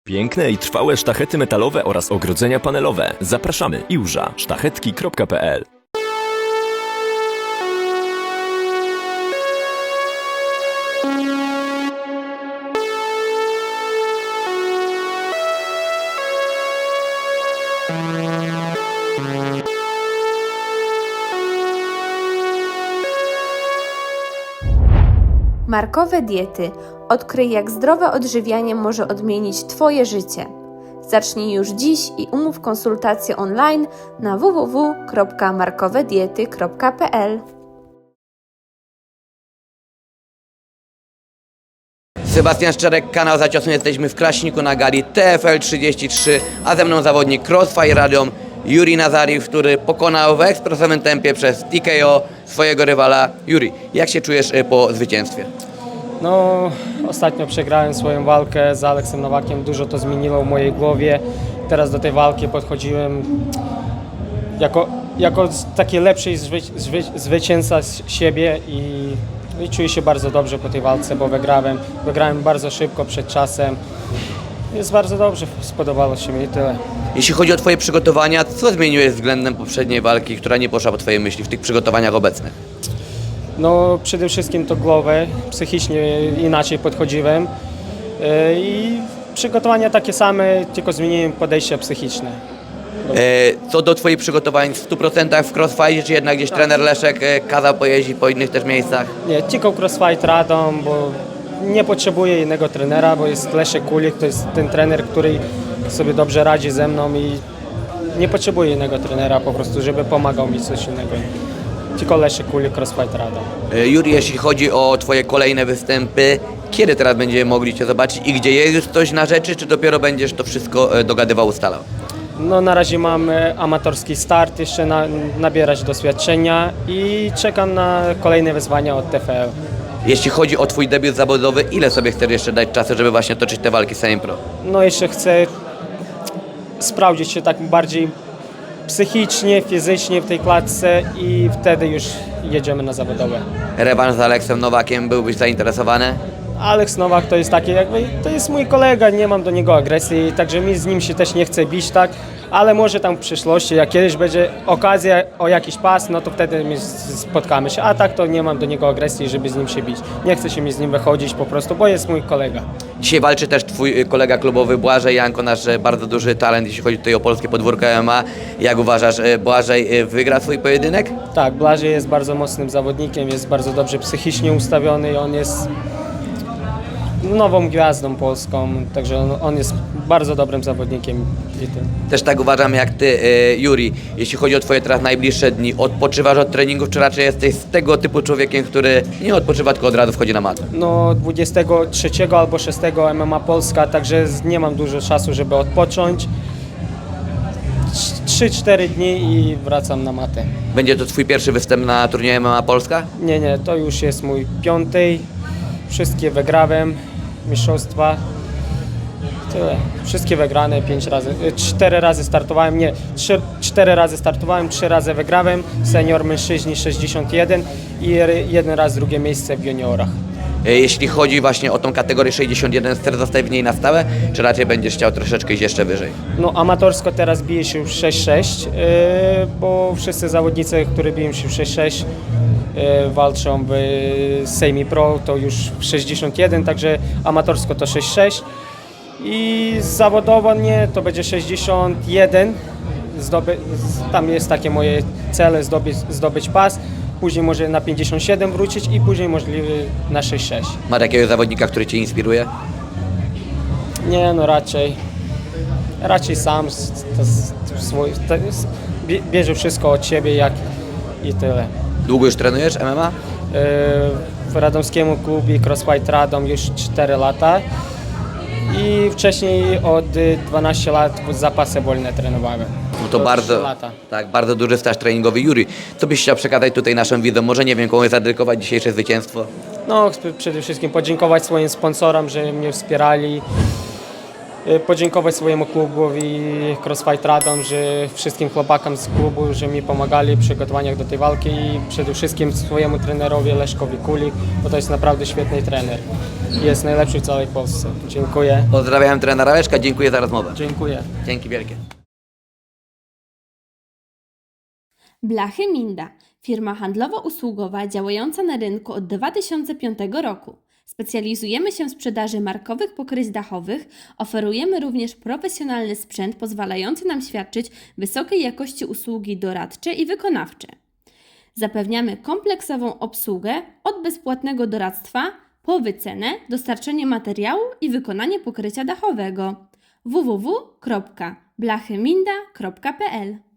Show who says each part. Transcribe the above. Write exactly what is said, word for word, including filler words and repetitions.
Speaker 1: Piękne i trwałe sztachety metalowe oraz ogrodzenia panelowe. Zapraszamy. iłża sztachetki kropka p l.
Speaker 2: Markowe diety. Odkryj, jak zdrowe odżywianie może odmienić Twoje życie. Zacznij już dziś i umów konsultację online na w w w kropka markowe diety kropka p l.
Speaker 3: Sebastian Szczerek, kanał Za Ciosem. Jesteśmy w Kraśniku na gali T F L trzydzieści trzy, a ze mną zawodnik Crossfire Radom Juri Nazariw, który pokonał w ekspresowym tempie przez T K O swojego rywala. Juri, jak się czujesz po zwycięstwie?
Speaker 4: No, ostatnio przegrałem swoją walkę z Aleksem Nowakiem, dużo to zmieniło w mojej głowie. Teraz do tej walki podchodziłem jako, jako taki lepszy zwy, zwy, zwycięzca z siebie i, i czuję się bardzo dobrze po tej walce, bo wygrałem, wygrałem bardzo szybko, przed czasem. Jest bardzo dobrze, spodobało się mi i tyle.
Speaker 3: Jeśli chodzi o Twoje przygotowania, co zmieniłeś względem poprzedniej walki, która nie poszła po Twojej myśli w tych przygotowaniach obecnych?
Speaker 4: No, przede wszystkim to głowę, psychicznie inaczej podchodziłem yy, i przygotowania takie same, tylko zmieniłem podejście psychiczne.
Speaker 3: E, co do Twoich przygotowań w stu procentach w Crossfire, czy jednak gdzieś trener Leszek e, kazał pojeździć po innych też miejscach?
Speaker 4: Nie, tylko Crossfight Radom, bo nie potrzebuję innego trenera, bo jest Leszek Kulik, to jest ten trener, który sobie dobrze radzi ze mną i nie potrzebuję innego trenera po prostu, żeby pomagał mi coś innego. Tylko Leszek Kulik, Crossfight Radom.
Speaker 3: E, Juri, jeśli chodzi o Twoje kolejne występy, kiedy teraz będziemy mogli Cię zobaczyć i gdzie jest już coś na rzeczy, czy dopiero będziesz to wszystko e, dogadywał, ustalał?
Speaker 4: No na razie mam e, amatorski start, jeszcze na, nabierać doświadczenia i czekam na kolejne wyzwania od T F L.
Speaker 3: Jeśli chodzi o Twój debiut zawodowy, ile sobie chcesz jeszcze dać czasu, żeby właśnie toczyć te walki z Sejm Pro?
Speaker 4: No jeszcze chcę sprawdzić się tak bardziej psychicznie, fizycznie w tej klatce i wtedy już jedziemy na zawodowe.
Speaker 3: Rewanż z Aleksem Nowakiem, byłbyś zainteresowany?
Speaker 4: Aleks Nowak to jest taki jakby, to jest mój kolega, nie mam do niego agresji, także mi z nim się też nie chce bić, tak, ale może tam w przyszłości, jak kiedyś będzie okazja o jakiś pas, no to wtedy my spotkamy się, a tak to nie mam do niego agresji, żeby z nim się bić. Nie chce się mi z nim wychodzić po prostu, bo jest mój kolega.
Speaker 3: Dzisiaj walczy też Twój kolega klubowy Błażej Janko, nasz bardzo duży talent, jeśli chodzi tutaj o polskie podwórko M M A. Jak uważasz, Błażej wygra swój pojedynek?
Speaker 4: Tak, Błażej jest bardzo mocnym zawodnikiem, jest bardzo dobrze psychicznie ustawiony i on jest nową gwiazdą polską, także on, on jest bardzo dobrym zawodnikiem. I tyle.
Speaker 3: Też tak uważam jak Ty, e, Juri. Jeśli chodzi o Twoje teraz najbliższe dni, odpoczywasz od treningów, czy raczej jesteś z tego typu człowiekiem, który nie odpoczywa, tylko od razu wchodzi na matę?
Speaker 4: No dwudziestego trzeciego albo szóstego M M A Polska, także nie mam dużo czasu, żeby odpocząć. trzy cztery dni i wracam na matę.
Speaker 3: Będzie to Twój pierwszy występ na turnieju M M A Polska?
Speaker 4: Nie, nie, to już jest mój piąty. Wszystkie wygrałem, mistrzostwa. Tyle. Wszystkie wygrane, pięć razy, cztery razy startowałem, nie, trzy, cztery razy startowałem, trzy razy wygrałem, senior mężczyźni sześćdziesiąt jeden i jeden raz drugie miejsce w juniorach.
Speaker 3: E, Jeśli chodzi właśnie o tą kategorię sześćdziesiąt jeden, chcesz zostać w niej na stałe, czy raczej będziesz chciał troszeczkę iść jeszcze wyżej?
Speaker 4: No amatorsko teraz bije się w sześć sześć, yy, bo wszyscy zawodnicy, którzy biją się w sześć sześć, yy, walczą w Sejmi Pro, to już w sześćdziesiąt jeden, także amatorsko to sześć sześć. I zawodowo nie, to będzie sześćdziesiąt jeden, Zdoby, tam jest takie moje cele, zdobyć, zdobyć pas, później może na pięćdziesiąt siedem wrócić i później możliwy na sześć sześć.
Speaker 3: Masz jakiegoś zawodnika, który Cię inspiruje?
Speaker 4: Nie, no raczej, raczej sam to, to, swój, to, bierze wszystko od siebie jak i tyle.
Speaker 3: Długo już trenujesz M M A?
Speaker 4: W radomskiemu klubie Crossfight Radom już cztery lata. I wcześniej od dwunastu lat w zapasy wolne trenowałem.
Speaker 3: No to
Speaker 4: Do
Speaker 3: bardzo,
Speaker 4: trzy lata.
Speaker 3: tak, bardzo duży staż treningowy. Juri, co byś chciał przekazać tutaj naszym widzom? Może nie wiem, komuś zadedykować dzisiejsze zwycięstwo?
Speaker 4: No, chcę przede wszystkim podziękować swoim sponsorom, że mnie wspierali. e, podziękować swojemu klubowi Crossfight Radom, że wszystkim chłopakom z klubu, że mi pomagali w przygotowaniach do tej walki i przede wszystkim swojemu trenerowi Leszkowi Kuli, bo to jest naprawdę świetny trener. Jest najlepszy w całej Polsce. Dziękuję.
Speaker 3: Pozdrawiam trenera Leszka, dziękuję za rozmowę.
Speaker 4: Dziękuję.
Speaker 3: Dzięki wielkie.
Speaker 2: Blachy Minda, firma handlowo-usługowa działająca na rynku od dwa tysiące piątego roku. Specjalizujemy się w sprzedaży markowych pokryć dachowych, oferujemy również profesjonalny sprzęt pozwalający nam świadczyć wysokiej jakości usługi doradcze i wykonawcze. Zapewniamy kompleksową obsługę od bezpłatnego doradztwa po wycenę, dostarczenie materiału i wykonanie pokrycia dachowego. w w w kropka blachyminda kropka p l